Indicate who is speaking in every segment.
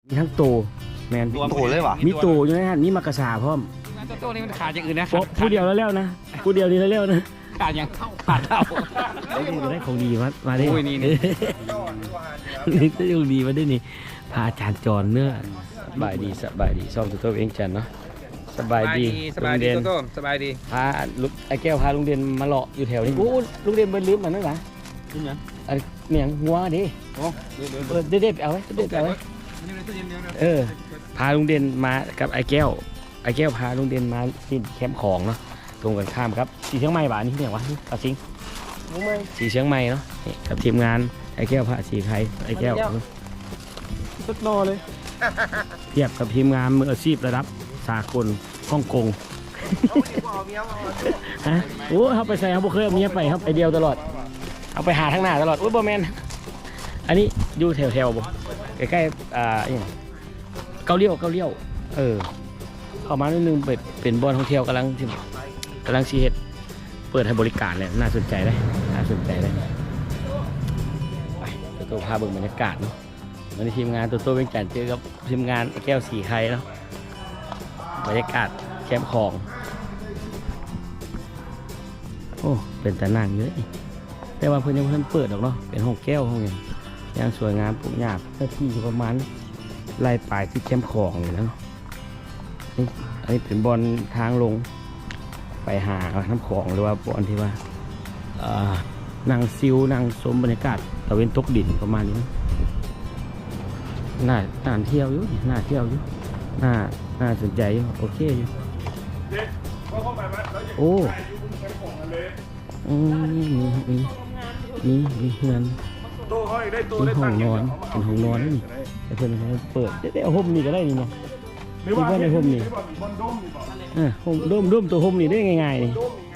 Speaker 1: มีทั้งโตแมน
Speaker 2: ตัวโตเลยวะ
Speaker 1: มีโตอยู่นะฮะนี่มากระสาพร้อม
Speaker 3: โต้นี่มันขาดอย่างอื่นนะ
Speaker 1: ผู้เดียวแล้วนะผู้เดียวนี่แล้วนะ
Speaker 3: ขาดอย่างขาดเท่า
Speaker 1: ได้ของดีมาได้
Speaker 3: โอ้ยนี่
Speaker 1: นี่ได้ของดีมาได้นี่พาอาจารย์จรเนื้อสบายดีซ่อมตัวเองจันเนาะสบายดี
Speaker 3: โต้สบายดี
Speaker 1: พาลุงไอ้แก้วพาลุงเด่นมาเลาะอยู่แถวนี้โอ้ลุงเด่นเบิ้ลลืมมันนั่นหรอเมียงหัวดิเด็ดเอาไว้เด็ดเอาไว้พาลุงเด่นมากับไอ้แก้วพาลุงเด่นมาที่แคมป์ของเนาะตรงกันข้ามครับสีเชียงใหม่บ้านนี้ที่ไหนวะปาซิงสีเชียงใหม่เนาะนี่กับทีมงานไอ้แก้วพาสีไทยไอ้แก้วสุดนอเลยเทียบกับทีมงานมืออาชีพระดับสากลฮ่องกงฮะโอ้เขาไปใส่เขาบ่เคยเอาเมียไปครับไปเดียวตลอดเอาไปหาทั้งหน้าตลอดโอ้ยบอแมนอันนี้อยู่แถวบ่ใกล้ๆเกาเลี้ยวเข้ามานิดนึงเป็นบอลท่องเที่ยวกำลังชีเฮ็ดเปิดให้บริการเลยน่าสนใจเลยไปตัวพาเบิ่งบรรยากาศเนาะวันนี้ทีมงานตัวเวียงจันทร์เจอกับทีมงานแก้วสีไข่เนาะบรรยากาศแคมป์ของโอ้เป็นแต่นั่งเยอะแต่ว่าเพิ่นยังเพิ่นเปิดหรอกเนาะเป็นห้องแก้วห้องยังสวยงามปลูกหญ้าเนื้อที่ประมาณไล่ปลายที่แคมป์ของเลยนะเนาะอันนี้เป็นบอลทางลงไปหาน้ำของหรือว่าบอลที่ว่านั่งซิวนั่งชมบรรยากาศตะเวนตกดินประมาณนี้น่าเที่ยวอยู่น่าสนใจอยู่โอเคอยู่โอ้มีเฮือนมีห้องนอนเป็นห้องนอนนี่แต่เพื่อนเขาเปิดได้เอาห่มนี่ก็ได้นี่เนาะที่ว่าในห่มนี่ห่มด้มตัวห่มนี่ได้ง่ายๆนี่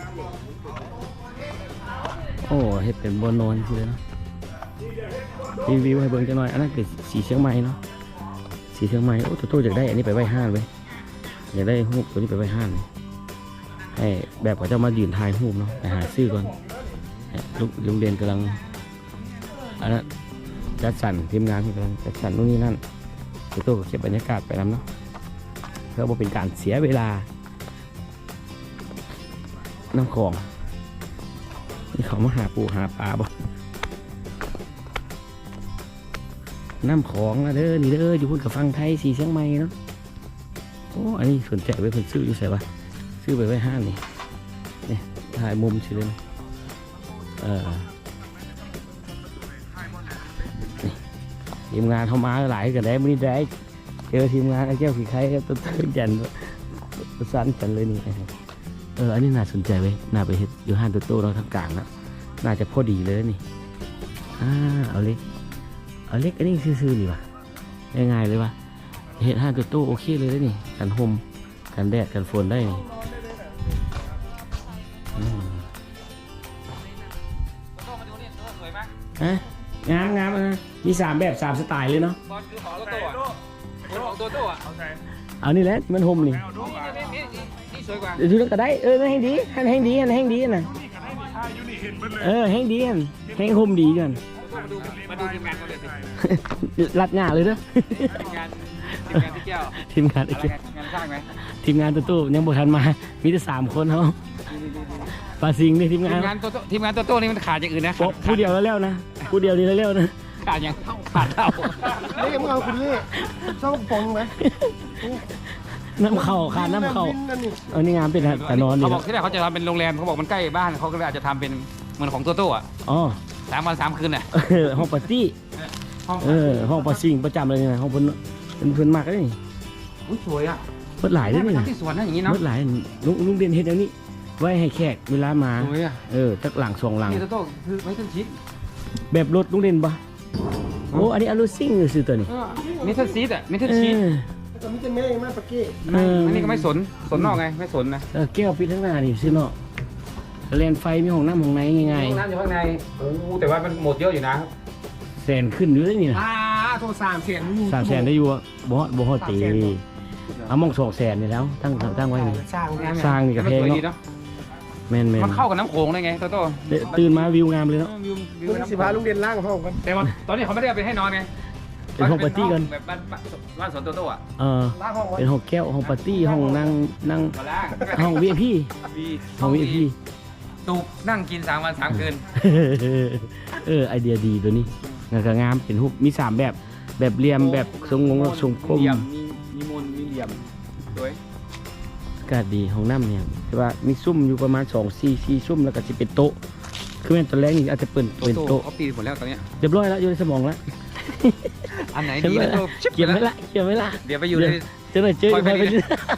Speaker 1: โอ้เห็ดเป็นบนนอนคือเลยเนาะรีวิวให้เบิ่งจังหน่อยอันนั้นคือสีเชียงใหม่เนาะสีเชียงใหม่โอ้ตัวอยากได้อันนี้ไปไว้ห้างไว้อยากได้หูตัวนี้ไปไว้ห้างให้แบบเขาจะมายืนถ่ายรูปเนาะไปหาซื้อก่อนลุงเรียนกำลังอันนั้นจัดสรรทีมงานกำลังจัดสรรนู่นนี่นั่นตัวเก็บบรรยากาศไปนำเนาะเพื่อเป็นการเสียเวลาน้ำของนี่เขามาหาปูหาปลาบ่น้ำของนะเด้อนี่เด้ออยู่พุ่นกับฟังไทยสีเชียงใหม่เนาะโอ้อันนี้สนใจไว้เพิ่นซื้ออยู่ใส่ปะซื้อไปไว้ห้างนี่ถ่ายมุมสิเลยทีมงานเข้ามาหลายกันได้ไม่ได้เจอทีมงานไอ้แก้วสีไข่ก็ต้นจันต้นสันกันเลยนี่อันนี้น่าสนใจไว้น่าไปเห็ดอยู่ห้างโตๆเราทางกลางนะน่าจะพอดีเลยนี่เอาเล็กอันนี้ซื่อๆนี่วะง่ายๆเลยวะเห็ดห้างโตๆโอเคเลยนี่กันห่มกันแดดกันฝนได้นี่งามนะมี3แบบ3สไตล์เลยเนาะ
Speaker 3: บอลคือของโต้ของโต้อ่ะ
Speaker 1: เอานี่แหละมันห่มนี่
Speaker 3: สวยกว่า
Speaker 1: ดูแล้วก็ได้แห้งดีนะแห้งดีแห้งห่มดีกัน
Speaker 3: มาดูทีมงานเขาเลยสิ
Speaker 1: รัดหน้าเลยเด้อ
Speaker 3: ทีมงานที่แก้ว
Speaker 1: ทีมงาน
Speaker 3: งานสร้างไหม
Speaker 1: ทีมงานตู้ยังบ่ทันมามีแต่3คนเขาปลาซิงนี่ทีมงาน
Speaker 3: โต้นี่มันขาดอย่างอื่นนะ
Speaker 1: ผู้เดียวแล้วนะผู้เดียวนี่แล้วนะ
Speaker 3: ขาดอย่างขาดเท่า
Speaker 2: นี่มึงเอาคุณนี่ชอบปองไหม
Speaker 1: น้ำเข่าขาดน้ำเข่าอันนี้งานเป็นแต่นอนนี่
Speaker 3: เขาบอกที่แรกเขาจะทำเป็นโรงแรมเขาบอกมันใกล้บ้านเขาก็เลยอาจจะทำเป็นเหมือนของโต้อ่ะ3 วัน 3 คืนน่ะ
Speaker 1: ห้องปาร์ตี้ห้องปาซิงประจำเลยนะห้องเพิ่นมากเลยนี่
Speaker 3: สวยอ่ะ
Speaker 1: เพิ่นหลายด้วยนี่
Speaker 3: ที่สวนนะอย่างนี้เนาะ
Speaker 1: เพิ่นหลายลุงเด่นเฮ็ดอย่างนี้ไว้ให้แขกเวลามาตักหลัง2 หลัง
Speaker 3: นี่โต้คือไว้ต้นชิด
Speaker 1: แบบรถลุงเด่นปะโอ้อันนี้อลูซิ่งซื้อตัวนี้
Speaker 3: มิเตอร์ซีดอ่ะมิเตอร์ชีด
Speaker 2: แต่มิเตอร์แม่ยังไม่ปะกี้
Speaker 3: อันนี้ก็ไม่สนนอกไงไม่สนนะ
Speaker 1: แก้วปิดทั้งหน้านี่ซื้อนอกเลนไฟมีห้องน้ำห้องไหนง่าย
Speaker 3: ๆห้องน้ำอยู่ข้างในโอ้แต่ว่ามันหมดเยอะอยู่นะ
Speaker 1: แสนขึ้นอยู่เลยนี่นะ
Speaker 2: โทร300,000
Speaker 1: ได้อยู่บ่ฮอดตีเอามอง200,000นี่แล้วตั้งไว้นี่สร้างนี่ก็แพงเนาะแม่น
Speaker 3: มันเข้ากับน้ำโขงได้ไงโต้
Speaker 1: ตื่นมาวิวงามเลยเนาะ
Speaker 2: มึงสิพาลุงเด่นล่างห้องกัน
Speaker 3: แต่ว่าตอนนี้เขาไม่ได้เอาไปให้นอนไง
Speaker 1: เป็นห้องปาร์ตี้กัน
Speaker 3: แบบบ้านสวนโตโต้อะ
Speaker 2: ล้างห้องไว้
Speaker 1: เป็นห้องแก้วห้องปาร์ตี้ห้องนั่ง
Speaker 3: มาล่าง
Speaker 1: ห้อง VIP
Speaker 3: มี
Speaker 1: ห้อง VIP
Speaker 3: ตุกนั่งกิน3 วัน 3 คืน
Speaker 1: ไอเดียดีตัวนี้งานก็งามเป็นรูปมี3แบบแบบเหลี่ยมแบบทรงทรงกลม
Speaker 3: เหลี่ยมมีมนมีเหลี่ยมสวย
Speaker 1: อากาศดีห้องน้ำเนี่ยแต่ว่ามีซุ่มอยู่ประมาณ2-4ซุ่มแล้วก็จะเป็นโต๊ะคือแม่นตอนแรกนี่อาจจะเป็น
Speaker 3: โต
Speaker 1: เป็น
Speaker 3: โต้
Speaker 1: โต๊ะ
Speaker 3: เขาปีนหมดแล้วตอนเนี้ย
Speaker 1: เรียบร้อยแล้วอยู่ในสมองแล้ว
Speaker 3: อันไหนดีนะโตชิบ
Speaker 1: เก็บ
Speaker 3: แล้
Speaker 1: ไว้
Speaker 3: ว
Speaker 1: ละเก็บไว้ละ
Speaker 3: เดี๋ยวไปอยู่ใน
Speaker 1: เจอหน่อยเจอ
Speaker 3: คอยไป
Speaker 1: ไป
Speaker 3: นี่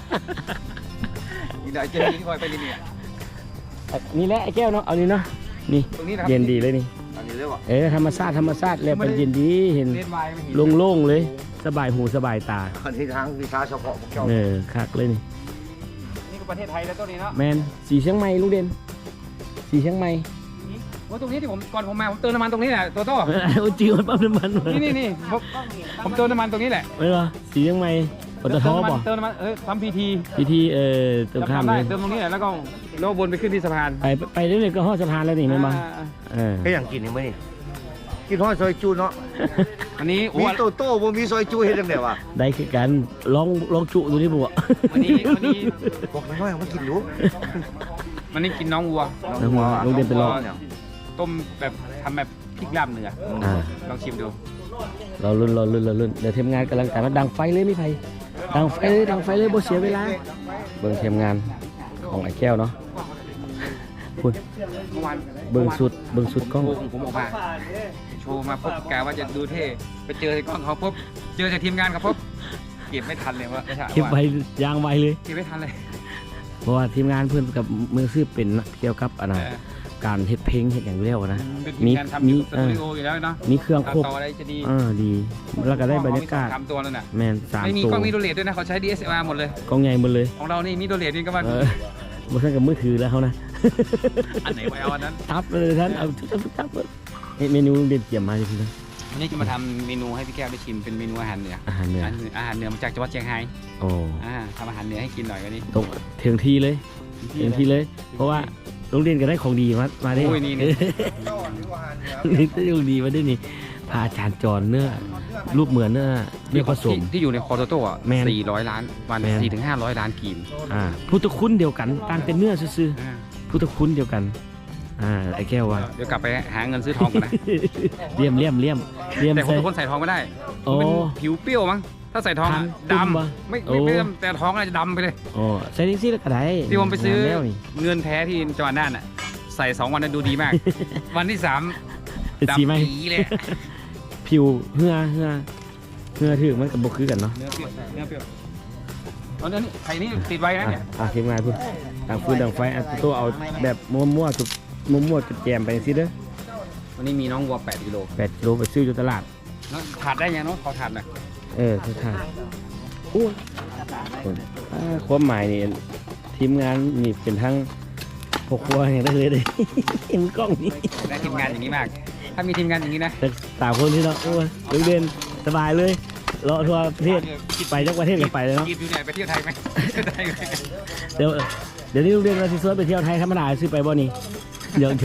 Speaker 3: อีกหน่อยเจอที่คอยไปนี่เนี่ย
Speaker 1: นี่แหละไอ้แก้วเนาะเอานี่เนาะนี่
Speaker 3: ตรงนี้นะครับ
Speaker 1: เย็นดีเลยนี่
Speaker 3: อันนี้เรียกว่า
Speaker 1: ธรรมชาติแล้วเป็นเย็นดีเห็น
Speaker 3: เล่นไวน์ไม่เห็น
Speaker 1: โล่งๆเลยสบายหูสบายตา
Speaker 2: อันนี้ทางวิชาเฉพาะพวกเจ้า
Speaker 1: คักเลยนี่
Speaker 3: นี่ก็ประเทศไทยแล้วตัวนี้เนาะ
Speaker 1: แมนสีเชียงใหม่ลุงเด่นสีเชียงใหม่
Speaker 3: ว่าตรงนี้ที่ผมก่อนผมมาผมเติมน้ำมันตรงนี้แหละตัวโต้
Speaker 1: โอ้จิ๋วปั๊มน้ำมัน
Speaker 3: นี่ผมเติมน้ำมันตรงนี้แหละ
Speaker 1: ไม่หรอสีเชียงใหม่ปตทป่ะ
Speaker 3: เติมน้ำมันทำพีที
Speaker 1: พิธีตรงข้าม
Speaker 3: ได้
Speaker 1: เลย
Speaker 3: เติมตรงนี้แหละแล้วก็โลวนไปขึ้นที่สะพาน
Speaker 1: ไปเรื่อยๆก็ห้อสะพานแล้วนี่แม่นบ่เออ
Speaker 2: แค่อย่างกินนี่มั้ยนี่กินทอดซอยจูเนาะ
Speaker 3: อันนี้โอ้
Speaker 2: มีโตโต้บ่มีซอยจูเฮ็ดจังได๋วะ
Speaker 1: ได้คือกันลองจุดูนี่บ่
Speaker 3: วันนี้
Speaker 2: บอกน้อยๆมากินอยู่
Speaker 3: มันนี่กินน้องวัว
Speaker 1: ลุงเด่นไปลอง
Speaker 3: ต้มแบบทำแบบพริกลาบเนื้อ
Speaker 1: อ่า
Speaker 3: ลองชิมดู
Speaker 1: เราลุ้นเดี๋ยวทีมงานกำลังแต่ว่าดังไฟเลยไม่ไผดังไฟเลยบ่เสียเวลาเบิ่งทีมงานของไอ้แก้วเนาะพูด
Speaker 3: เมื่อวาน
Speaker 1: เบิ่งสุดกล้อง
Speaker 3: ผมออกมาโชว์มาปุ๊บกะว่าจะดูเท่ไปเจอในกล้องเขาปุ๊บเจอจากทีมงานเขาปุ๊บเก็บไม่ทันเลยว่า
Speaker 1: เก็บไว้ยางไว้เลย
Speaker 3: เก็บไม่ทันเลย
Speaker 1: เพราะว่าทีมงานเพื่อนกับมือซื้อเป็นเกี่ยวกับอันนั้น
Speaker 3: เออ
Speaker 1: การเฮ็ดเพลงเฮ็ดอย่างเดียวนะ
Speaker 3: เป็นทีมงานทำอยู่สตูดิโออยู่แล้วเนาะ
Speaker 1: มีเครื่องครบ
Speaker 3: ต่ออะไรจะดี
Speaker 1: ดีแล้วก็ได้บรรยากาศ
Speaker 3: ทำตัวนั่นน่ะ
Speaker 1: แมน3
Speaker 3: ไม่มี
Speaker 1: ตัว
Speaker 3: กล้องมีโดเลตด้วยนะเขาใช้ DSLR หมดเลย
Speaker 1: กล้องใหญ่หมดเลย
Speaker 3: ของเรานี่มีโดเลตนี่ก็ว่า
Speaker 1: บ่ทันกับมือถือแล้วเขานะ
Speaker 3: อันไหนไปเอาอันนั้น
Speaker 1: ทับเลยท่านเอาทับเลยเมนูเด็ดเกี่ยมมาเลยพี่นะ
Speaker 3: วันนี้จะมาทำเมนูให้พี่แก้วได้ชิมเป็นเมนูอาหารเหนือ
Speaker 1: อาหารเหนือ
Speaker 3: อาหารเหนือมาจากจังหวัดเชียงราย
Speaker 1: โอ้
Speaker 3: ทำอาหารเหนือให้กินหน่อยวันนี้
Speaker 1: ตรงถึงทีเลย เพราะว่าโรงเรียนก็ได้ของดีมาได้
Speaker 3: โอ้ยนี่
Speaker 2: เจ้านี่ว่าหารเหนือ
Speaker 1: นี่ได้ของดีมาได้นี่พาอาจารย์จรเนื้อรูปเหมือนเนื้อผสม
Speaker 3: ที่อยู่ในคอโตโต้อะ
Speaker 1: แมน
Speaker 3: 400 ล้านวัน
Speaker 1: แมน
Speaker 3: 4 ถึง 500 ล้านกีบ
Speaker 1: พุทธคุณเดียวกันต่างเป็นเนื้อซื่อๆพุทธคุณเดียวกันไอ้แก้วว่า
Speaker 3: เดี๋ยวกลับไปหาเงินซื้อทองกันนะ
Speaker 1: เลี่ยม
Speaker 3: แต่คน
Speaker 1: ใส่
Speaker 3: ทุกคนใส่ทองไม่ได้
Speaker 1: โอ้
Speaker 3: มันเป็นผิวเปรี้ยวมั้งถ้าใส่ทองอะ
Speaker 1: ตุ่มปะ
Speaker 3: ดำไม่
Speaker 1: โอ้
Speaker 3: ดำแต่ทองอาจจะดำไปเลย
Speaker 1: โอ้ใส่ดิซี่แล้วก็ได้
Speaker 3: ที่ผมไปซื้อ
Speaker 1: แล้วนี่
Speaker 3: เงินแท้ที่จังหวัดน่านอ่ะใส่2 วันนั้นดูดี มาก วันที่
Speaker 1: เป็น
Speaker 3: 3
Speaker 1: สีไหม
Speaker 3: ดำปีเลย
Speaker 1: ผิวเหือถือมันกับบกคือกันเนาะ
Speaker 3: เนื้อเปรี้ยวเอาเนื้อนี่ไข่นี่ติดไว้นะเนี่ย
Speaker 1: ทีมงานพูดต่างฟืนต่างไฟตัวเอาแบบมั่วๆจุดมั่วๆจุดแจมไปสิเด้อ
Speaker 3: วันนี้มีน้องวัว8 กิโล
Speaker 1: 8 กิโลไปซื้ออยู่ตลาด
Speaker 3: ถาดได้ยังเนาะขอถาดหน่อย
Speaker 1: ทุกท่านอู้ความหมายนี่ทีมงานนี่เป็นทั้งพวกครัวอย่างได้เลยเลย เห็นกล้องนี่
Speaker 3: ได้ทีมงานอย่างนี้มาก ถ้ามีทีมงานอย่างนี้นะ
Speaker 1: แต่3 คนที่เนาะโอ้ยลุงเด่นสบายเลยเลาะทั่วประเทศไปจักประเทศกันไปเลยเนาะ
Speaker 3: กีบอยู่เนี่ยไปเที่ยวไทยไหมเที่ยวไทยไหม
Speaker 1: เดี๋ยวนี้ลุงเด่นเราสิสวนไปเที่ยวไทยธรรมดาซื้อไปบ่นี่เยอะ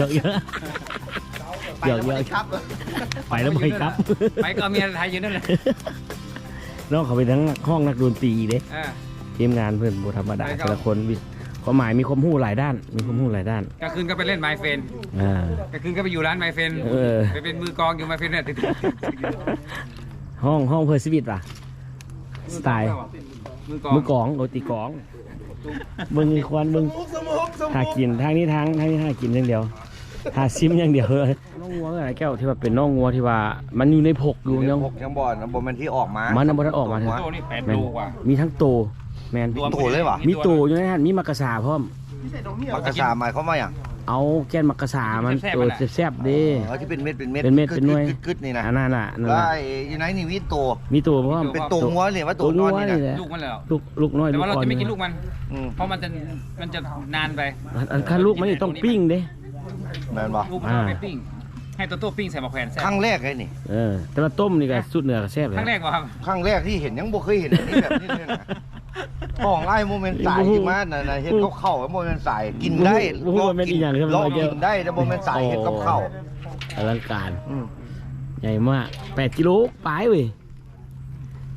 Speaker 2: ครับ
Speaker 1: ไปแล้วบ่อยครับ
Speaker 3: ไปก็เอาเมียไทยอยู่นั่นแหละ
Speaker 1: น้องเขาไปทั้งห้องนักดนตรีเด้
Speaker 3: อ่า
Speaker 1: ทีมงานเพื่อนบ่ธรรมดา
Speaker 3: ไปครับ
Speaker 1: แต่ละคนความหมายมีความรู้หลายด้าน
Speaker 3: กลางคืนก็ไปเล่นไมเฟน
Speaker 1: อ่าก
Speaker 3: ลางคืนก็ไปอยู่ร้านไมเฟน ไปเป็นมือกลองอยู่ไมเฟนเนี่ยติด
Speaker 1: ห้องเพื่อชีวิตป่ะสไตล์
Speaker 3: มือกลอง
Speaker 1: มือกองโรตีกองเบิ่งมีควันเบิ่งหากินทางนี้หากินอย่างเดียวหาซิมอย่างเดียวเลยน้องงัวอะไรแก้วที่ว่าเป็นน้องงัวที่ว่ามันอยู่ในผกอยู่ยัง
Speaker 2: พกยังบ่อนบ่แม่นที่ออกมา
Speaker 1: มันน่ะบ่ได้ออกมาเถอะ
Speaker 3: โตนี่8
Speaker 1: แม่น
Speaker 3: โลกว่า
Speaker 1: มีทั้งโตแมน
Speaker 2: โตเลยวะ
Speaker 1: มีโตอยู่ในนั้นมีมักกะสาพร้อม
Speaker 2: ปากกาสาหมายเขามว่าอย่าง
Speaker 1: เอาแกนมักกะสามันตัวแซ่บๆเด้
Speaker 2: ที่เป็นเม็ด
Speaker 1: เป็นเม็ดเป็นหน่วย
Speaker 2: กึดๆนี่นะ
Speaker 1: อันนั้นน่ะ
Speaker 2: แล้วอยู่ไหนนี่มีโต
Speaker 1: มีตัวเพราะว่า
Speaker 2: เป็นโตงัวเลยว่าโตนอนนี่นะ
Speaker 1: แหละ
Speaker 3: ลูกมันแล้ว
Speaker 1: ลูกน้อย
Speaker 3: แต่
Speaker 1: ลูก
Speaker 3: ว่าเรา
Speaker 1: อ่อน
Speaker 3: จะไม่กินลูกมัน
Speaker 2: อืม
Speaker 3: เพราะมันจะนานไป
Speaker 1: อันคันลูกมันนี่ต้องปิ้งเด้
Speaker 2: แม่นบ่
Speaker 3: ลูกมันต้องไปปิ้ง ให้โตโต้ปิ้งใส่หมะแขวนแซ่บ
Speaker 2: ครั้งแรกไอ้นี่
Speaker 1: แต่ว่าต้มนี่ก็สุดเหนือก็แซ่บเลย
Speaker 3: ครั้งแรกป่ะครับ
Speaker 2: ครั้งแรกที่เห็นยังบ่เคยเห็นอันนี้แบบนี้เลยนะของไอ้โมเมนต์สายที่มาน่ะเห็นเขาเข้าโมเมนต์สายกินได้ลองกินได้แต่โมเมนต์สายเห็นเขาเข้า
Speaker 1: อลังการใหญ่มาก8 กิโลปลายเว้ย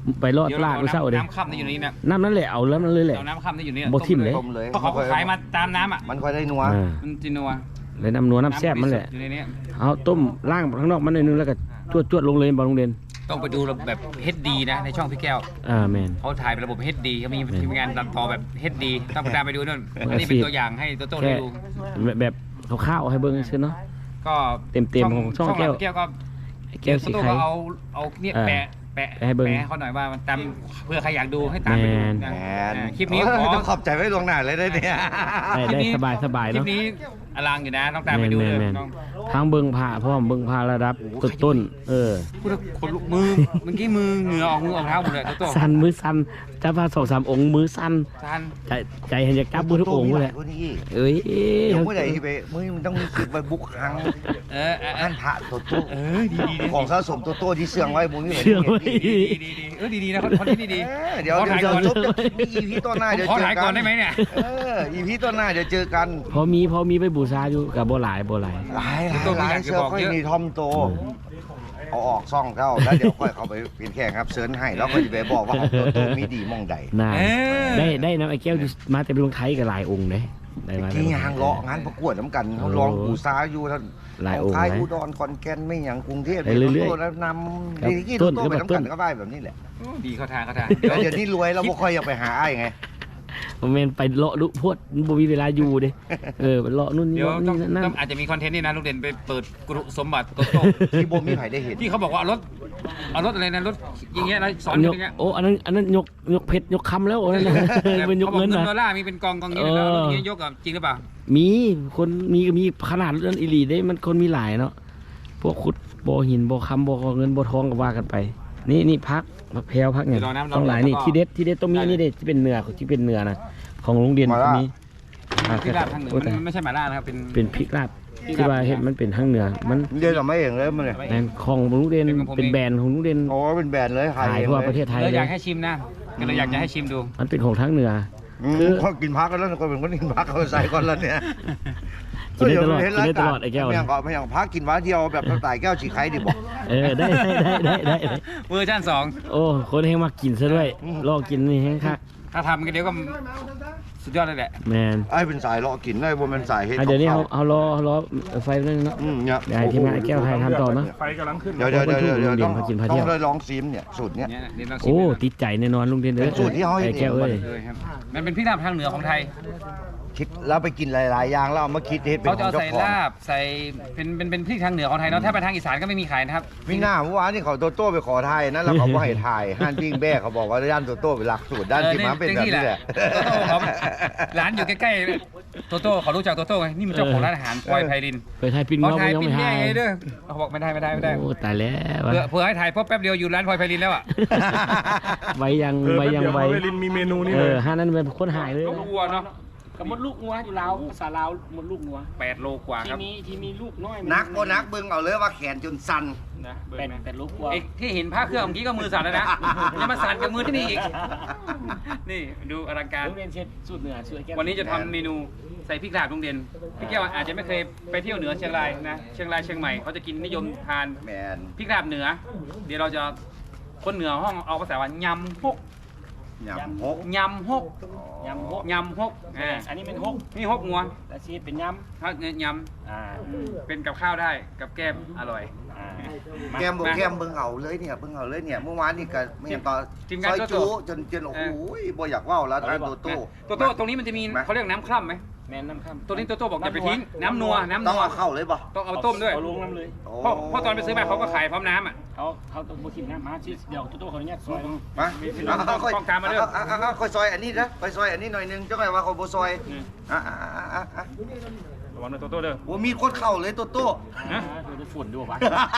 Speaker 1: ไปรอดตลาดมื้อเช้าเด้
Speaker 3: น้ำค่ำที่อยู่นี่นะ
Speaker 1: น้ำนั่นแหละเอาแล้วมันเลยแหละ
Speaker 3: เอาน้ำค่ำที่อยู่นี่
Speaker 1: บ่ทิ่มเลย
Speaker 2: ต้มเลย
Speaker 3: เพราะเขาขายมาตามน้ำอ่ะ
Speaker 2: มันค่อยได้นัว
Speaker 3: มันจินัว
Speaker 1: เลยน้ำนัวน้ำแซ่บมันแหละ
Speaker 3: อยู่ในนี้
Speaker 1: เอาต้มล่างข้างนอกมันหน่อยนึงแล้วก็จวดๆลงเลยบ่โรงเรียน
Speaker 3: ต้องไปดูแบบ HD นะในช่องพี่แก้ว
Speaker 1: แม่น
Speaker 3: เขาถ่ายเป็นระบบ HD เขามีทีมงานตัดต่อแบบ HD ต้องตามไปดูนู่น
Speaker 1: มือ
Speaker 3: อัน
Speaker 1: อา
Speaker 3: นี้
Speaker 1: ชี
Speaker 3: เป็น
Speaker 1: พ
Speaker 3: ตัวอย่างให้โตโต้
Speaker 1: แค่
Speaker 3: ได้ดู
Speaker 1: แบบข้าวๆให้เบิ่งซื่อเนาะ
Speaker 3: ก็
Speaker 1: เต็มๆของช่องแก้ว
Speaker 3: แก้วก็
Speaker 1: แก้วสี
Speaker 3: โตโต้
Speaker 1: ไข่
Speaker 3: ก็เอาเนี่ย
Speaker 1: เออ
Speaker 3: แปะ
Speaker 1: ให้เบิ่ง
Speaker 3: เขาหน่อยว่ามันตามเพื่อใครอยากดูให้ตามไปดู
Speaker 1: แมน
Speaker 3: นะ
Speaker 2: แมน
Speaker 3: คลิปนี้ขอ
Speaker 2: ต้องขอบใจไว้ลวงหน้าเลยได้เนี่ย
Speaker 1: ได้สบาย
Speaker 3: คลิ
Speaker 1: เนาะ
Speaker 3: ปนี้อลังอยู่นะต้องตามไปดูเลย
Speaker 1: แม่น
Speaker 3: น้อง
Speaker 1: ทางเบิ่งผ้าพร้อมเบิ่งผ้าระดับต้น
Speaker 3: พูดแล้วขนลุกมือเมื่อกี้มือเหงื่อออกเท้าหมดเลยโตโต้
Speaker 1: สั่นมือสั่นจะพา2-3องค์มือสั่น
Speaker 3: ทัน
Speaker 1: ใจเห็นจะกลับมือทุกองค์เลย
Speaker 2: คนนี้
Speaker 1: เอ้ย
Speaker 2: เดี๋ยวเมื่อไหร่ที่ไปมึงต้องมีคิดไปบุกครั้ง อันพระโตโต้
Speaker 3: ดี
Speaker 2: ของสะสมโตโต้ที่เสื่องไว้มึงนี่
Speaker 1: เชื่อไว้
Speaker 3: ดีนะคนที่ดี
Speaker 2: เดี๋ยวจบมีอีพีต้นหน้าเดี๋ยว
Speaker 3: ขอ
Speaker 2: เจอ
Speaker 3: ถ่าย
Speaker 2: กั
Speaker 3: ก่อน
Speaker 2: น
Speaker 3: ได้ไหมเนี่ย
Speaker 2: อีพีต้นหน้าเดี๋ยวเจอกัน
Speaker 1: พอมีไปบูชาอยู่กับบ่หลาย
Speaker 2: หลายเสื้อค่อยมีทอมโตเอาออกซ่องเข้าแล้วเดี๋ยวค่อยเข้าไปเปลี่ยนแข่งครับเซิร์นให้แล้วก็จะไปบอกว่าของโตโต้มีดีมองใด
Speaker 1: น่าได้น้ำไอ้แก้วมาแต่เป็นลงไทยกับหลายองค์เด้ได้มา
Speaker 2: ที่งานเลาะงานประกวดน้ำกันเขาลองบูซาอยู่ท่าน
Speaker 1: หลายองค์
Speaker 2: ไทย
Speaker 1: นะ
Speaker 2: อุดรขอนแก่นไม่อย่างกรุงเทพ
Speaker 1: ไปเรื่อยๆ
Speaker 2: แล้วน
Speaker 1: ครับ
Speaker 2: ำดีกี่
Speaker 1: ต้
Speaker 2: โต
Speaker 1: น
Speaker 2: โต้ไปน้ำ
Speaker 1: ต้
Speaker 2: กัน นก็ได้แบบนี้แหละ
Speaker 3: ดีเข้าทาง
Speaker 2: เดี๋ยวนี้รวยแล้วบ่ค่อยอยากไปหาไอ้ไง
Speaker 1: ผมเมนไปเลาะลุพวดบ่มีเวลาอยู่เด้ไปเลาะนู่น
Speaker 3: เดี๋ยว
Speaker 1: นี่
Speaker 3: ต้อง
Speaker 1: นั่น
Speaker 3: อาจจะมีคอนเทนต์นี่นะลูกเด่นไปเปิดกรุสมบัติโตโต้
Speaker 2: ที่บ่มีใครได้เห็น
Speaker 3: ที่เขาบอกว่าเอารถอะไรนะรถอย่างเงี้ยแล้วสอน
Speaker 1: ย
Speaker 3: อก ย่างเงี้ย
Speaker 1: โอ้อันนั้นยกเพชรยกคำแล้วอันนั้นเป็นยกเงิน
Speaker 3: ดอ
Speaker 1: นะ
Speaker 3: ลลาร์มีเป็นกองนี้เลยนะรถอย่างเงี้ยยกอ่ะจริงหรือเปล่า
Speaker 1: มีคนมีขนาดนั้นอีหลีได้มันคนมีหลายเนาะพวกขุดบ่อหินบ่อคำบ่อเงินบ่อทองก็ว่ากันไป นี่พักแพรวพักเนี่ยต้องหลายนี่ที่เด็ดต้องมีนี่เด็ดที่เป็นเนื้อนะของโรงเรียนก็มี
Speaker 3: พริกลาบทางเหนือมันไม่ใช่หม่าล่านะครับเป็น
Speaker 1: พริกลาบที่ว่าเห็ดมันเป็นทางเหนือมัน
Speaker 2: เดี๋ยวเราไม่เองเลยมันเลย
Speaker 1: แบรนด์ของโรงเรียนเป็นแบรนด์ของโรงเรียน
Speaker 2: โอ้เป็นแบรนด์เลย
Speaker 1: ขายทั่วประเทศไทย
Speaker 3: เรา
Speaker 1: เล
Speaker 3: อย ยากให้ชิมนะเราอยากจะให้ชิมดู
Speaker 1: มันเป็นของทางเหนือ
Speaker 2: คือเขากินพักกันแล้วคนเป็นคนกินพักเขาใส่ก่อนแล้วเนี่ย
Speaker 1: กินได้ตลอดไอ้แก้ว
Speaker 2: ไม่อย่างพักกินวันเดียวแบบตายแก้วฉีกไข่ดิบอก
Speaker 1: ได้
Speaker 3: เวอร์ชัน2
Speaker 1: โอ้คนให้มากินซะด้วยลอกกินนี่แห้งคัก
Speaker 3: ถ้าทำกันเดี๋ยวก็สุดยอดเลยแหละ
Speaker 1: แมน
Speaker 2: ไอ้เป็นสายเลาะกินได้บนเป็นสายเฮ็ด
Speaker 1: เดี๋ยวนี้เขารอไฟนั่นเนาะ
Speaker 2: เนี่ย
Speaker 1: เดี๋ยวให้ทีมงานไอ้แก้วไทยทำต่อเนาะ
Speaker 4: ไฟกำลังขึ้น
Speaker 2: เดี๋ยวต้องได้ลองซิมเนี่ยสูตรเนี่ย
Speaker 3: เนี่ยเราชิม
Speaker 1: โอ้ติดใจแน่นอนลุงเด่นเอ้ย
Speaker 2: เป็นสูตรที่เขาให้
Speaker 1: ไอ้แก้วเอ้ย
Speaker 3: เลยครับมันเป็นพริกลาบทางเหนือของไทย
Speaker 2: คิดแล้วไปกินหลายๆอย่างแล้วเอามาคิดเฮ็ดเป็น
Speaker 3: เขา
Speaker 2: ข
Speaker 3: จะ
Speaker 2: อง
Speaker 3: เอา
Speaker 2: เจ้า
Speaker 3: ใส่
Speaker 2: ของ
Speaker 3: ลาบใส่เป็นพริกทางเหนือของไทยเนาะถ้าไปทางอีสานก็ไม่มีขายนะครับ
Speaker 2: มีหน้าเมื่อวานที่เขาโตโต้ไปขอถ่ายนะแล้วเขาบ่ให้ถ่ายห้านปิ้งแบ้เขาบอกว่าด้านโตโต้เป็นหลักสูตรด้านที่มาเป็นแบบนี้แหละ
Speaker 3: โตโต้เขาร้านอยู่ใกล้ๆโตโต้เขารู้จักโตโต้ไงนี่มันเจ้าของร้านอาหารพลอยไพริน
Speaker 1: เคยทายปิน
Speaker 3: เขา
Speaker 1: เงา
Speaker 3: ถ่าย
Speaker 1: ยัง
Speaker 3: ปิ้
Speaker 1: ไม่
Speaker 3: น
Speaker 1: ทา
Speaker 3: แย่
Speaker 1: ย
Speaker 3: ไงเด้อเขาบอกไม่ได้
Speaker 1: โอ้ตายแล้ว
Speaker 3: เผื่อให้ถ่ายเพราะแป๊บเดียวอยู่ร้านพลอยไพรินแล้วอ่ะ
Speaker 1: ใบยัง
Speaker 4: เวลินมีเมนูนี่เลย
Speaker 1: ห้านั้นเป็นคนหายเลย
Speaker 3: ก็วัวเนาะ
Speaker 5: กับมดลูกงัวอยู่ลาวภาษาลาวมดลูกงัว
Speaker 3: 8 โลกว่าครับ
Speaker 5: ที่มีลูกน้อย
Speaker 2: นักบ่นักเบิ่งเอาเลยว่าแขนจนสั่น
Speaker 3: นะเบิ่ง
Speaker 5: เป็น
Speaker 3: นะ
Speaker 5: เป็นลูกงัว
Speaker 3: ไอ้ที่เห็นผ้าเครื่องเมื่อกี้ก็มือสั่นแล้วนะยังมาสั่นกับมือที่นี่อีกนี่ดูอลังการ
Speaker 5: โรงเรียนเช็ดสูตรเหนือช่วยแก้
Speaker 3: วันนี้จะทำเมนูใส่พริกลาบลุงเด่นพี่แก้วอาจจะไม่เคยไปเที่ยวเหนือเชียงรายนะเชียงรายเชียงใหม่เขาจะกินนิยมทาน
Speaker 2: แมน
Speaker 3: พริกลาบเหนือ เดี๋ยวเราจะคนเหนือห้องเอาภาษาว่ายำฮก
Speaker 2: ยำฮก
Speaker 3: ยำฮก
Speaker 5: ยำฮก
Speaker 3: ยำฮก
Speaker 5: อันนี้เป็นฮก
Speaker 3: นี่ฮกงัว
Speaker 5: แต่ชีสเป็นย
Speaker 3: ถ้าย
Speaker 5: ำ
Speaker 3: ำเป็นกับข้าวได้กับแก้มอร่อย
Speaker 2: แกมบอกแกมเบิ่งเอาเลยเนี่ยเบิ่งเอาเลยเนี่ยเมื่อวานนี่ก็ไม่เห็นตอน
Speaker 3: ทีม
Speaker 2: ซ
Speaker 3: งาน
Speaker 2: อย
Speaker 3: โต
Speaker 2: จู
Speaker 3: โต้
Speaker 2: จนโอ้โหบ่อยากว่าวแล้วท่านโตโต้
Speaker 3: โตโต้ตรงนี้มันจะมีเขาเรียกน้ำคร่ำไหม
Speaker 5: แม่น้ำข้าม
Speaker 3: ตัวนี้โตโต้บอกอย่าไปทิ้งน้ำนัว
Speaker 2: ต้องเอาเข้าเลยป่ะ
Speaker 3: ต้องเอาต้มด้วย
Speaker 5: เอาลงน้ำเลย
Speaker 3: เพราะตอนไปซื้อมาเขาก็ขายพร้อมน้ำอ่ะ
Speaker 5: เขาต้องบุกินน้ำมาชีสเดี๋ยวตัวขออนุญาตซอย
Speaker 2: มาค่อย
Speaker 3: ต้องการมาด้วย
Speaker 2: ค่อยซอยอันนี้นะค่อยซอยอันนี้หน่อยนึงจังไงว่าเขาบ่ซอยอ่ะ
Speaker 3: ระวังนะโตโต้เด้อ
Speaker 2: โอ้มีคนเข้าเลยโตโต้
Speaker 3: นะ
Speaker 5: คือจะฝุ่นด้วยวะ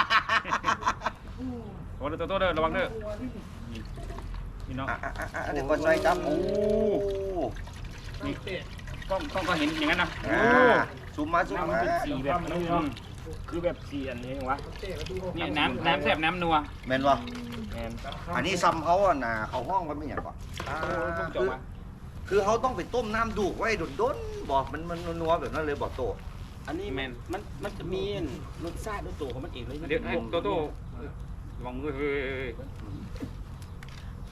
Speaker 3: ระวังนะโตโต้เด้อระวังเด้อนี่เนาะ
Speaker 2: เดี๋ยวก็ซอยครับโอ้
Speaker 3: นี่ก็เห็นอย่างนั้นนะ
Speaker 2: ซูมมาซูม
Speaker 5: น้ำมัน
Speaker 2: มา
Speaker 5: เป็นสีแบบนี้เนาะคือแบบสีอันนี้วะ
Speaker 3: นี่น้ำแซ่บน้ำนัว
Speaker 2: แม่นบ่
Speaker 5: แมน
Speaker 2: อันนี้ซ้ำเขาอ่ะนะเขาห้องกันไม่อย่างก่อน
Speaker 3: ต้องจบอ่ะ
Speaker 2: คือเขาต้องไปต้มน้ำดูกไว้ดนๆบอกมันนัวแบบนั้นเลยบอกโต
Speaker 5: อันนี้มันจะมีรสชาติด้วยตัวของมันเองเลย
Speaker 3: เดี๋ยวให้โตโต้ระวังมือเฮ้ย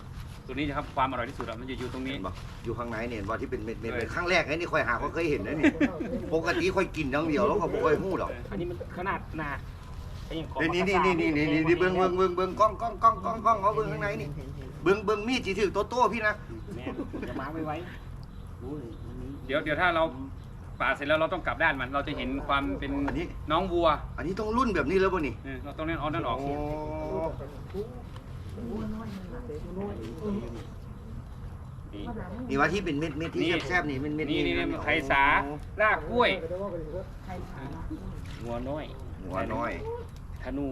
Speaker 3: ตัวนี้นะครับความอร่อยที่สุดมันจะอยู่ตรงนี้
Speaker 2: เห็นบ่อยู่ข้างในเนี่ยว่าที่เป็นเม็ดเป็นครั้งแรกไอ้นี่ค่อยหาเคยเห็นนะนี่ปกติค่อยกินอย่างเดียวแล้วก็บ่ค่อยฮู้ดอก
Speaker 5: อันนี้มันขนาดหนาไอ้อย่างของ
Speaker 2: นี่เบิ่งกล้องเอาเบิ่งข้างในนี่เบิ่งมีดสิถือโตๆพี่นะ
Speaker 5: แม่จะมาไว้โอ้ยมันมี
Speaker 3: เดี๋ยวถ้าเราปาดเสร็จแล้วเราต้องกลับด้านมัน เราจะเห็นความเป็นน้องวัว
Speaker 2: อันนี้ต้องรุ่นแบบนี้แล้วบ่นี่
Speaker 3: เราต้องเอานั่นออก
Speaker 2: นี่ว่าที่เป็นเม็ดที่แซ่บๆนี่เม็ด
Speaker 3: นี่ไข่สาลากกล้วย
Speaker 5: หัวน้อย
Speaker 2: หัวน้อย
Speaker 5: ธนู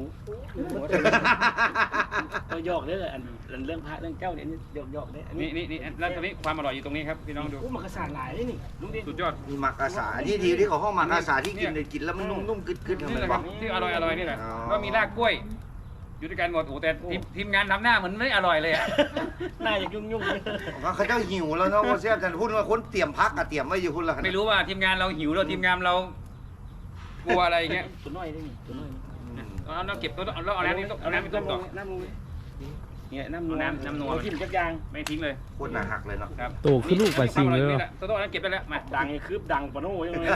Speaker 5: ตัวหยอกเด้ออันเรื่องพระเรื่องเจ้าเนี่ยหยอกเด้ออันนี้
Speaker 3: นี่แล้วตรงนี้ความอร่อยอยู่ตรงนี้ครับพี่น้องดู
Speaker 5: มันกระสานหลายเลยนี่ลุงดิ
Speaker 3: สุดยอด
Speaker 2: มีมักกะสาที่ดีที่เขาห้องมักกะสาที่กินแล้วมันนุ่มๆกึดๆ
Speaker 3: นี่
Speaker 2: ทำ
Speaker 3: แห
Speaker 2: ไม
Speaker 3: ละครั
Speaker 2: วะ
Speaker 3: บที่อร่อยนี่แหละก็มีลากกล้วย อยู่ด้วยกันหมดโอ้แต่ทีมงานทำหน้าเหมือนไม่อร่อยเลยอ่ะ
Speaker 5: หน้าอยากยุ่ง
Speaker 2: เขาเจ้าหิวแล้วเนาะว่าแซ่บแต่พูดว่าคนเตรียมพักกับเตรียมไว้อยู่พุ่นละ
Speaker 3: ไม่รู้ว่าทีมงานเราหิวหรือทีมงานเรากลัวอะไรอย่างเงี้ย
Speaker 5: ตัวน้อยได้นี่ตัวน้อย
Speaker 3: เราเก็บตัวแล้วเอาน้ำนี่เอาน้ำไปต้มต่อ
Speaker 5: น้ำลงเนี่ยน้ำ
Speaker 3: น้ำนัว
Speaker 5: ทิ้งจักยาง
Speaker 3: ไม่ทิ้งเลย
Speaker 2: โคตรหนาหักเลยเนาะ
Speaker 3: ครับ
Speaker 1: โตขึ้นลูกปลาซิงเลยเหรอ
Speaker 3: ตัวนั้นเก็บได้แล้วมา
Speaker 5: ดังคืบดังปะโน่ยังไง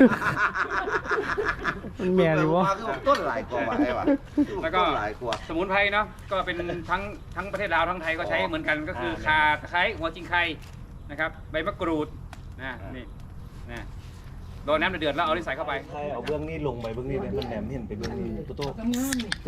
Speaker 1: มันแม่เลยวะ
Speaker 2: คือต้นหลายกว่าไอ้วะ
Speaker 3: แล้วก็
Speaker 2: ต้นหลายกว่า
Speaker 3: สมุนไพรเนาะก็เป็นทั้งประเทศลาวทั้งไทยก็ใช้เหมือนกันก็คือข่าตะไคร้หัวจิงไคนะครับใบมะกรูดนี่รอน้ำเดือดแล้วเอาที่ใส่เข้าไป
Speaker 4: ใช่เอาเบื้องนี้ลงไปเบื้องนี้เลยมันแหลมเห็นไปเบื้องนี้โต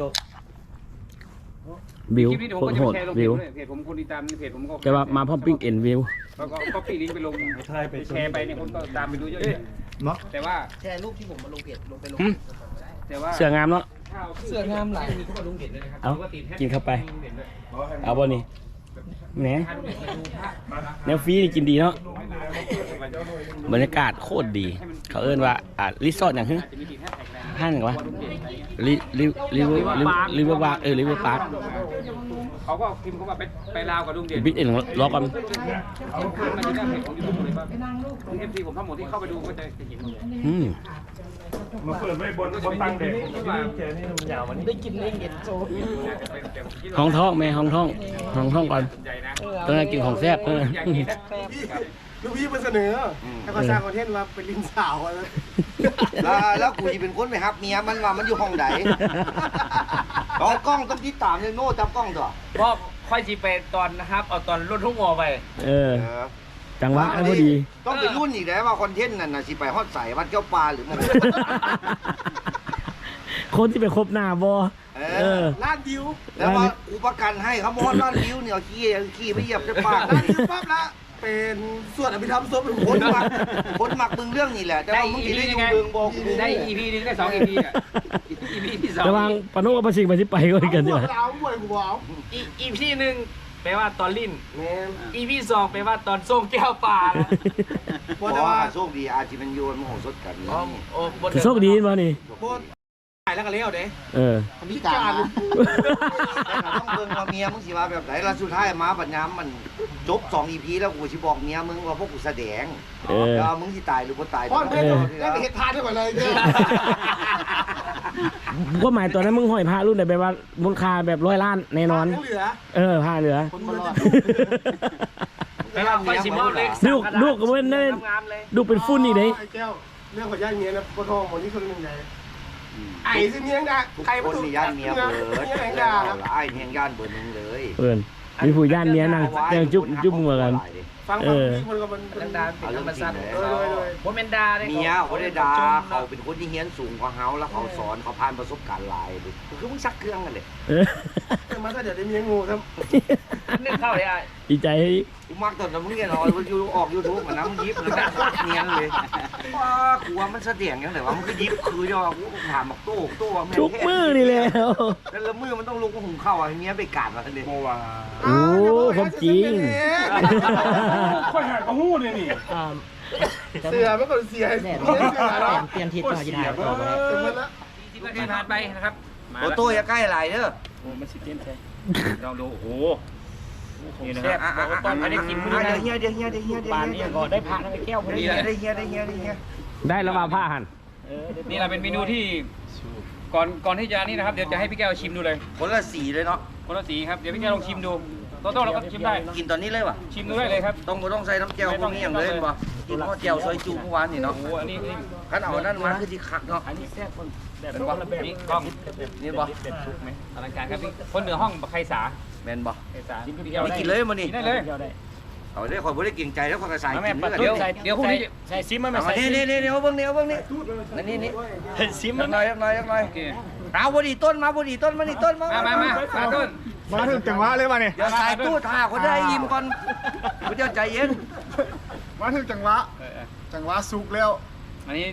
Speaker 1: วิว
Speaker 3: คลิปนี้เดี๋ยวผมก็จะ
Speaker 1: โห
Speaker 3: ไป
Speaker 1: ด
Speaker 3: แชร์ลง
Speaker 1: วิว
Speaker 3: เพจผมคนติดตามในเพจผมก็
Speaker 1: แต่ว่ามาพร้อมปิ้งเอ็นวิว
Speaker 3: แล้วก็ก๊อปปี้ลิงก์ไปลง
Speaker 4: ใช่ไป
Speaker 3: แชร์ไปเนี่ยคนก็ตามไปดูเยอะๆแต่ว่า
Speaker 5: แชร์รูปที่ผมมาลงเพจลงไปลง
Speaker 3: แต่ว่า
Speaker 1: เสืองามเนาะ
Speaker 3: เสื้องามหลายมีก็ลงเด็ดเลยนะครับ
Speaker 1: เอากินเข้าไป เอาบ่นี่แหนแนวฟรีนี่กินดีเนาะบรรยากาศโคตรดี เขาเอิ้นว่ารีสอร์ทอย่างฮึ
Speaker 3: อาจจะมีติดแฮชแท็กอะไร
Speaker 1: ห้างวะลิเวอร์บาร์ลิเวอร์พาร์ค
Speaker 3: เขาก็พิมพ์เขาว่าไปลาวกับลุงเด่น
Speaker 1: บิ๊กเอ็นรอก่อน
Speaker 3: เขาขึ้นมาที่หน้าเพจของยูทูบเลยว่าเอฟซีผมทั้งหมดที่เข้าไปดูก็จะเห็นหมดเลย
Speaker 4: มาเปิดไว้บนตั้งเด็กแกนี่มันยาวมันนี่
Speaker 5: ได้กินเองเห็นโซ่
Speaker 1: ห้องท้องแม่ห้องท้องก่อน
Speaker 3: ใหญ่นะ
Speaker 1: ต้องให้กินของแซ่บ
Speaker 3: อย่างนี้นะ
Speaker 4: ลูกพี่มันเสนอให้เขาสร้างคอนเทนต์ว่าเป็นลิงสาวอะไร
Speaker 2: แล้วกูจะเป็นคนไปฮับเมียมันว่ามันอยู่ห้องไหนเอากล้องต้องติดตามเลยโน่จับกล้องตัว
Speaker 5: เพราะค่อยจีไปตอนนะครับเอาตอนรุ่นทุ่งงอไป
Speaker 1: จังหวะพอดี
Speaker 2: ต้องเป็นรุ่นอีกแล้วว่าคอนเทนต์นั่นน่ะสิไปฮอดใส่วัดเจ้าปลาหรือมัน
Speaker 1: คนที่ไปคบหน้าบอ
Speaker 4: ล้านวิว
Speaker 2: แล้วว่ากูประกันให้เขาบอกว่าร้านวิวเนี่ยขี้ไปเหยียบเจ้าปลา
Speaker 4: ล้านวิวปั๊บละเป็นส่วนอภิธรรมศพเป็น
Speaker 2: คนมักมึงเรื่องนี้แหละแต่ว่ามึงสิได้อยู่เมืองบอกกู
Speaker 3: ได้ EP นึงได้2 EP อ่ะ EP ที่2
Speaker 1: ระวังปนุกับปชิงไปที่ไปก็กันดีกว่า
Speaker 4: เอาหวยกูเอา
Speaker 5: อีพี่หนึ่งแปลว่าตอนลิ้น
Speaker 4: แม่น
Speaker 5: อีพี่สองแปลว่าตอนส่งแก้วป่า
Speaker 2: บอกว่าโชคดีอาจจะมันโยนมโหสถกันนี่
Speaker 5: โอ้บน
Speaker 1: โชคดีมานี่
Speaker 4: โคตรถ่ายแล้วก็เลี้ยวเด้
Speaker 2: พิการต้องเบิ่งว่าเมียมึงสิว่าแบบไหนแล้วสุดท้ายมาบัดยามมันจบ2 EP แล้วกูสิบอกเมียมึงว่าพวกกูแสดงแล้วมึงสิตายหรือบ่ตาย
Speaker 4: ป้อนเพชรได้ไปเฮ็ดทานได้ก่อนเลยเนี่ย
Speaker 1: ก็หมายตัวนั้นมึงห้อยพระรุ่นไหนแบบว่ามูลค่าแบบ100 ล้านแน่นอน
Speaker 4: เหลือ
Speaker 1: ผ้าเหลือ
Speaker 4: คนมารอด
Speaker 5: แปลว่าค่อยสิมอบเล็ก
Speaker 1: ลูกก็เป็นได้
Speaker 5: งามเลย
Speaker 1: ดูเป็นฟุ้นนี่เด้
Speaker 4: ไอ้แก้วเรื่องของย่าเมียนะปวดท้องหมดนี่คนหนึ่งใหญ่ไอ้สิเมียงดา
Speaker 2: ทุก
Speaker 4: ใคร
Speaker 2: คนมีย่านเมียเบิด
Speaker 4: เมียแห่ง
Speaker 2: แล้
Speaker 4: ดาว
Speaker 2: ไอ้เมียย่านเบิดนึงเลย
Speaker 1: เพื่อนมีผู้ย่านเนี้ยนั่งยังจุ๊บมือกัน
Speaker 4: ฟังพี่คนก็มัน
Speaker 5: ดังดาเป็นธรรมชาติ
Speaker 4: เลย
Speaker 5: โมเมนดาได้
Speaker 2: เมียเขาได้ด่าเขาเป็นคนที่เฮียนสูงกว่าเฮาแล้วเขาสอนเขาผ่านประสบการณ์หลายดิคือมึงซักเครื่องกันเลย
Speaker 4: มาถ้าเดี๋ยวได้เมียงูครับ
Speaker 5: นึกเข้าเลยอ่ะ
Speaker 1: ดีใจ
Speaker 2: กูมักตอนนั้นมึงเนี่ยออกยูทูบเหมือนน้ำมึงยิบเลยนะเนียนเลยว่ากูว่ามันเสถียรยังแต่ว่ามันก็ยิบคือจะว่ากูถามบอกโต้ว่าแม่
Speaker 1: ทุกมือนี่แล้ว
Speaker 2: แล้วมือมันต้องลุกก็หุงข้าวอ่ะเมียไปกาดมาทันที
Speaker 4: โมว่า
Speaker 1: โอ้ความจริง
Speaker 4: ค่อยหากระหู้เนี่ยนี่เสือไม่ก่อนเสียเสือเนาะ
Speaker 5: เปลี่ยนทิศต่อยีได้ต่อไป
Speaker 3: ที่ประเทศผ่านไปนะครับมา
Speaker 2: โต้อย่าใกล้ไหลเด้อ
Speaker 5: โอ้มันสิเต้นใช่
Speaker 3: ลองดูโอ้โหนี่นะ
Speaker 5: แซ่บ
Speaker 3: ครับ
Speaker 5: บอกว่าตอนอันนี้กิน
Speaker 2: เดี๋ยวเฮียเดี๋ยวเฮียเดี๋ยวเฮียเดี๋ยว
Speaker 5: ปานนี้ก็ได้พระทั้งแก้วพอดี
Speaker 2: เดี๋ยวเฮียเดี๋ยวเฮียเดี๋ยวเฮีย
Speaker 1: ได้แล้วมาผ้าหัน
Speaker 3: นี่เราเป็นเมนูที่ก่อนที่จะนี่นะครับเดี๋ยวจะให้พี่แก้วชิมดูเลย
Speaker 2: คนละสีเลยเนาะ
Speaker 3: คนละสีครับเดี๋ยวพี่แก้วลองชิมดูโตโต้เราก็ชิมได้
Speaker 2: กินตอนนี้เลยวะ
Speaker 3: ชิมดูได้เลยครับ
Speaker 2: ต้องใส่น้ำเจียวพวกนี้อย่างเลยบ่กินข้าวเจียวซอยจูเมื่อวานนี่เนาะ
Speaker 3: โอ้โหอันนี้
Speaker 2: ขันเอานั่นมาคือที่คักเนาะ
Speaker 5: อันนี้แซ่บคนแบบ
Speaker 3: เป็นบ่นี่กล้อง
Speaker 2: นี่บ่
Speaker 3: อลังการครับนี่คนเหนือห้องบักไคสา
Speaker 2: แม่นบ่
Speaker 3: ไคสากินเดียว
Speaker 2: ไม่
Speaker 3: ได้
Speaker 2: กินเลยมันนี่
Speaker 3: กินได้เลย
Speaker 2: เอาได้ข่อยบ่ได้เกรงใจแล้วข่อยก็ใส่
Speaker 3: มา
Speaker 2: กิ
Speaker 3: แม่
Speaker 2: น
Speaker 3: ปัด
Speaker 2: เด้อ
Speaker 3: เดี๋ยวพรุ่งนี้
Speaker 5: ใส่ซิมมันไม่
Speaker 2: เอา
Speaker 5: ใส่
Speaker 2: นี่เอาเบิ่งนี่นี่
Speaker 5: ซิม
Speaker 2: ยั
Speaker 5: มัน
Speaker 2: งหน่อย
Speaker 3: โอเค
Speaker 2: เอาบ่ดีต้นมาบ่ดีต้นมานี่ต้นมา
Speaker 3: มาต้น
Speaker 4: มาถึงจังหวะเลยมาเนี่ย
Speaker 2: เดี๋ยวใส่ตู้ท่าคนได้ยิ้มก่อนคุณเจ้าใจเย็น
Speaker 4: มาถึงจังหวะจังหวะสุกแล้ว
Speaker 3: อันนี้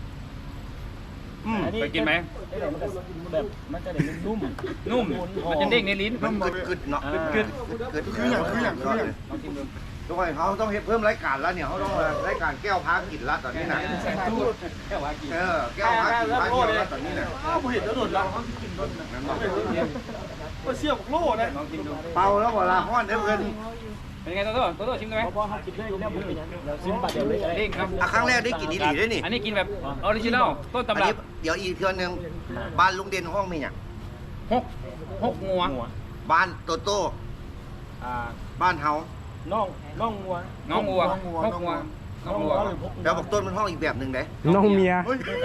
Speaker 3: ไปกินไหม
Speaker 5: แบบมันจะได้นุ่ม
Speaker 3: นุ่มมันจะเด้งในลิ้น
Speaker 2: มันกึดๆเนาะกึด
Speaker 4: คืออย่าง
Speaker 3: ลองชิมดู
Speaker 2: ทุกคนเขาต้องเพิ่มรายการแล้วเนี่ยเขาต้องรายการแก้วพากินละตอนนี้นะแก้วพากินแล้วตอนนี้นะ
Speaker 4: อ้าวผมเห็นแล้วโดดเราเขากินโดนก็เชี่ยวโล่นะ
Speaker 3: ลองชิมดู
Speaker 2: เป่าแล้วเวลาห้อนเด้อเพิ่น
Speaker 3: เป็นไงโตโต้ชิมได้ไหม
Speaker 5: เพราะเขากินได้แล้วผมเป็นยังเราซิมปัดเดียวเลย
Speaker 3: เด้งครับ
Speaker 2: ครั้งแรกได้กินดีๆด้วยนี่
Speaker 3: อันนี้กินแบบออริจินัลต้น
Speaker 2: อัน
Speaker 3: ตำรั
Speaker 2: นี้
Speaker 3: บ
Speaker 2: เดี๋ยวอีกเทื่อนึงบ้านลุงเด่นห้องมีเนี่ย
Speaker 3: หกงัว
Speaker 2: บ้านโตโต้บ้านเฮา
Speaker 5: น้องงัว
Speaker 3: น้องงัวหกงัวน้องงัว
Speaker 2: แล้วบอกต้นมันห้องอีกแบบหนึ่งเด้
Speaker 1: น้องเมีย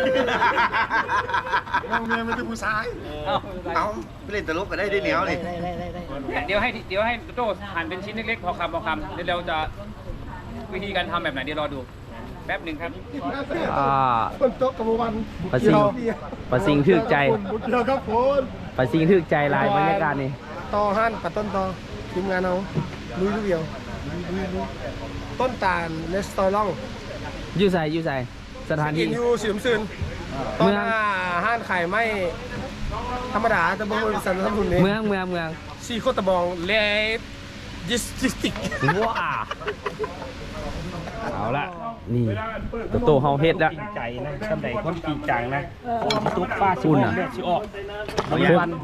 Speaker 4: น้องเมียไม่ใช่ผู้ชาย
Speaker 2: เอาไปเล่นตลกก็ได้ด้วยเหนียวนี่
Speaker 3: เดี๋ยวให้โตโต้หั่นเป็นชิ้นเล็กๆพอคำเดี๋ยวเราจะวิธีการทำแบบไหนเดี๋ยวรอดูแป๊บหนึ่งครับ
Speaker 4: คนโต๊ะกับวัน
Speaker 1: ปลาซิงทึกใจ
Speaker 4: บุเดียวครับผม
Speaker 1: ปลาซิงทึกใจลายบรรยากาศนี่
Speaker 4: ต่อหันปัดต้นต่อทีมงานเอาลุยลูกเดียวต้นตาลเลสตอรอง
Speaker 1: อยู่ใส่สถาน
Speaker 4: กิ
Speaker 1: ที่
Speaker 4: นอยู่สีน้ำซึนต้นห้านไข่ไม่ธรรมดาแต่บางคนสันสมุนนี่
Speaker 1: เมือง
Speaker 4: ซีโคตะบองเลยิสติก
Speaker 1: ว้าเอาละนี่โตเฮาเฮ็ดละ
Speaker 5: ใจนะสำใดคนปีจังนะตุ๊กป้าชิมเลือดชิออกบ่มีวัน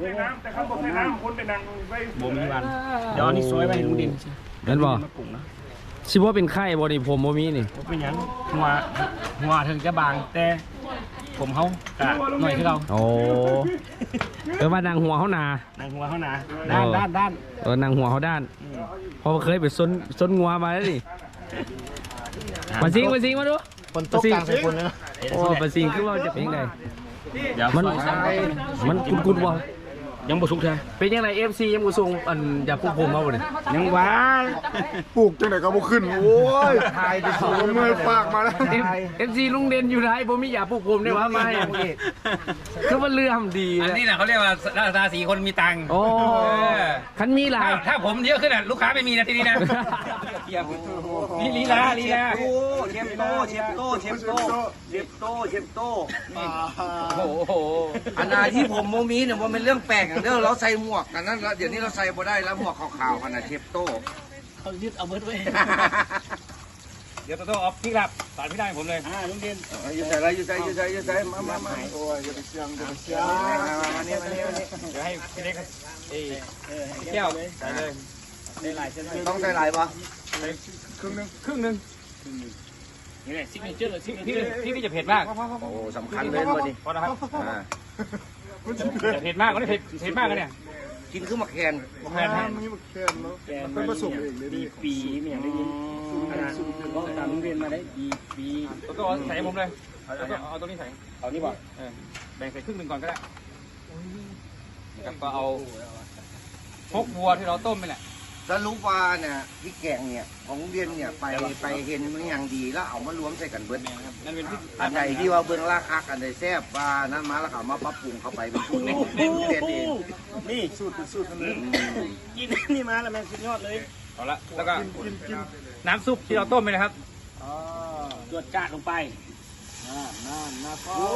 Speaker 5: บ่มีวันเดี๋ยวนี้ซอยไว้ลุงดิน
Speaker 1: นั่นบ่สิบ่เป็นไข้บ่นี่ผมบ่มีนี่
Speaker 5: เป็นหยังหัวถึงจะบางแต่ผมเขากะหน่อยคือเรา
Speaker 1: โอ้ว่านางหัวเฮาหนา
Speaker 5: นางหัวเขาหนาด้าน
Speaker 1: นางหัวเฮาด้านเพอเคยไปซนงัวมาแล้วนี่มาซิงมาดู
Speaker 4: คนโต๊ะกลางใส่คนนะ
Speaker 1: โอ้ปลาซิงคือว่าจะเป็นยังไง
Speaker 5: เดี๋ยว
Speaker 1: มันกุดๆบ่
Speaker 5: ยังบ่สุกแท้
Speaker 1: เป็นยังไง FC ยังบ่ส่งอันอย่าพวกผมมาบ่นี่
Speaker 5: ยังว้า
Speaker 4: ปลูกจังไหนก็บ่ขึ้นโอ้ยทายดิสูเมื่อยปากมาแล้ว
Speaker 1: FC ลุงเด่นอยู่ไหนบ่มีอย่าพวกผมได้ว่ามาให้คือว่าเรื่องดี
Speaker 3: อัน
Speaker 1: นะ
Speaker 3: นี้แหละเขาเรียกว่าราศีคนมีตังค์
Speaker 1: โอ้คันมีหลาย
Speaker 3: ถ้าผมเยอะขึ้นอ่ะลูกค้าไม่มีนะทีนี้นะนี่ลีลา
Speaker 2: เชฟโต
Speaker 3: โอ้โห
Speaker 2: อันนาที่ผมโมมีเนี่ยว่าเป็นเรื่องแปลกอย่างเดียวเราใส่หมวกกันนั้นแล้วเดี๋ยวนี้เราใส่บ่ได้แล้วหมวกขาวๆกันนะเชฟโต
Speaker 5: เขายึดเอาเบิดไว้
Speaker 3: เดี๋ยวโตเอาพี่ครับสารพี่ได้ผมเลย
Speaker 5: ลุงเด่น
Speaker 2: อยู่ใส่มาโอ้ยอย่าไปเชื่องมานี่
Speaker 3: เดี๋ยวให้พี่เล็กแก้วใส่เลย
Speaker 5: ได้หลายเส้น
Speaker 2: ต้องใส่หลายปะ
Speaker 3: ครึ่งหนึ่งนี่แหละซิกเนเจอร์เลยพี่จะเผ็ดมาก
Speaker 2: โอ้สำคัญเลยวันนี้
Speaker 3: พอนะครับเผ็ดมากก็ได้เผ็ดมากกันเนี่ย
Speaker 2: กินขึ้นมาแคน
Speaker 3: แพน
Speaker 5: แกนมันผสมปีไม่อย่างได้ยินก็ตามลุงเด่นมาได้ปี
Speaker 3: โตใส่ผมเลยเอาตรงนี้ใส่
Speaker 5: เอานี่บ่
Speaker 3: แบ่งใส่ครึ่งหนึ่งก่อนก็ได้นะครับก็เอาพกวัวที่เราต้มไปแหละ
Speaker 2: สรุปว่าเนี่ยพี่แกงเนี่ยของเรียนเนี่ยไปเห็นมันอย่างดีแล้วเอามารวมใส่กันเบิด
Speaker 3: นั่นเป็นพริก
Speaker 2: อันใดที่ว่าเบื้องราคาอันใดแซ่บว่านั้นมาแล้วเขามาปรับปรุงเข้าไปเป็นสูตรของเรียนเอง
Speaker 5: นี่สูตรมันกินนี่มาแล้วแม่สุดยอดเลย
Speaker 3: เอาละแล้วก็น้ำซุปที่เราต้มไปนะครับ
Speaker 5: จวดจ้าลงไปน่าโอ้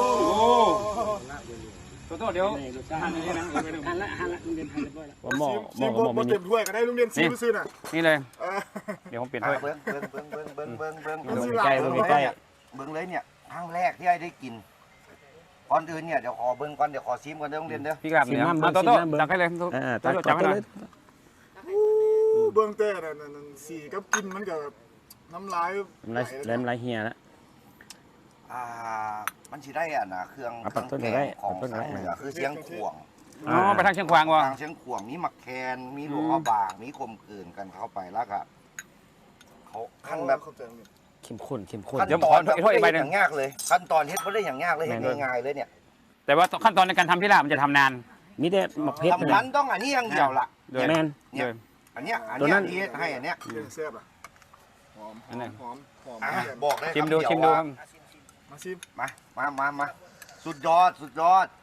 Speaker 3: โตเดี๋ยว
Speaker 5: หั่นเลยนะหั่นละลุงเด่นหั่นเรียบร้อยแล้ว
Speaker 1: หม้อ
Speaker 4: ซีโบมาเต็มถ้วยก็ได้ลุงเรียนซีซื้อน่ะ
Speaker 3: นี่เลยเดี๋ยวผมเปลี่ยนถ้วย
Speaker 2: เบิ้ง
Speaker 1: เบิ่งใกล้
Speaker 2: เบิ้งเลยเนี่ยครั้งแรกที่ไอ้ได้กินก่อนอื่นเนี่ยเดี๋ยวขอเบิ้งก่อนเดี๋ยวขอซิมก่อนเด้อโรงเรียนเด้อ
Speaker 3: พี่กลับเนี่ยโตจับให้เลยโตจับให้เลย
Speaker 4: เบื้องต้นนั่นสีกับกินมันกับน้ำลาย
Speaker 1: เริ่มไรเฮียแล้ว
Speaker 2: มันสิได้อ่ะนะเครื่อง
Speaker 1: เอาปักต้น
Speaker 2: แก
Speaker 1: ได้
Speaker 2: งของ
Speaker 1: ปักต้นได้
Speaker 2: ทางเหนือคือเสียงขวง
Speaker 3: อ๋อไปทางเชียงขวางวะ
Speaker 2: ทางเชียงขวางมีหมักแคนมีหลวงพ่อบางมีคมคืนกันเข้าไปแล้วก็เขาขั้นแบบ
Speaker 1: เข้มข้นเข้มข้น
Speaker 2: ขั้นตอนแบบไม่ได้อย่างยากเลยขั้นตอนเฮ็ดไม่ได้อย่างยากเลยเฮ็ดง่ายๆเลยเนี่ย
Speaker 3: แต่ว่าขั้นตอนในการทำที่ลาบมันจะทำนาน
Speaker 1: มีแต่หมักเพชร
Speaker 2: ทำนั้นต้องอันนี้อย่างเดียวละ
Speaker 3: โดย
Speaker 1: แมน
Speaker 3: โดย
Speaker 2: อันเนี้ย
Speaker 1: ตัวนั้น
Speaker 2: ที่เฮ็ดให้อันเนี้ย
Speaker 4: แซ่บอ่ะหอม
Speaker 3: อันนั้น
Speaker 4: หอมหอม
Speaker 2: อ่ะบอกได้
Speaker 3: ชิมดู
Speaker 2: คำเยว
Speaker 3: ชิมดู
Speaker 2: ว่า
Speaker 3: ครับ
Speaker 4: มาชิม
Speaker 2: มาสุดยอดสุดยอด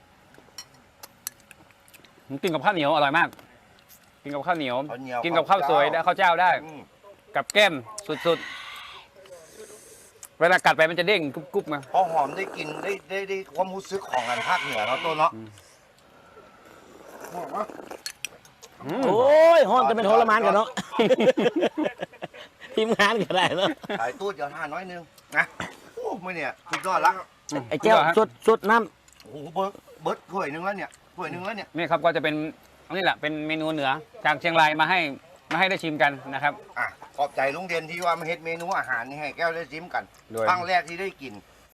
Speaker 3: กินกับข้าวเหนียวอร่อยมาก กินกับข้าวเหนียว
Speaker 2: ข้าวเหนียว
Speaker 3: กินกับข้าวสวยได้ข้าวเจ้าได้
Speaker 2: อืม
Speaker 3: กับแก้มสุดๆ เวลากัดไปมันจะเด้งกรุบๆมา
Speaker 2: พอหอมได้กินได้ความรู้สึกของอันภาคเหนือเนาะตัวเนาะ
Speaker 4: หอมอ่ะ
Speaker 1: โอ้ยห้องจะเป็นทรมานกันเนาะ ทีมงานก็ได้เนาะ
Speaker 2: สายตู้เดี๋ยวทานน้อยนึงนะโอ้ไม่เนี่ยสุดยอดละ
Speaker 1: ไอ้แก้วสดน้
Speaker 2: โอ้โหเบิร์ดถ้วยหนึงแล้วเนี่ยถ้วยหนึงแล้วเนี่ย
Speaker 3: นี่ครับก็จะเป็นอันนี้แหละเป็นเมนูเหนือจากเชียงรายมาให้ได้ชิมกันนะครับ
Speaker 2: อ่ะขอบใจลุงเด่นที่ว่ามาเฮ็ดเมนูอาหารนี่ให้แก้วได้ชิมกัน
Speaker 3: โดย
Speaker 2: ครั้งแรกที่ได้กิน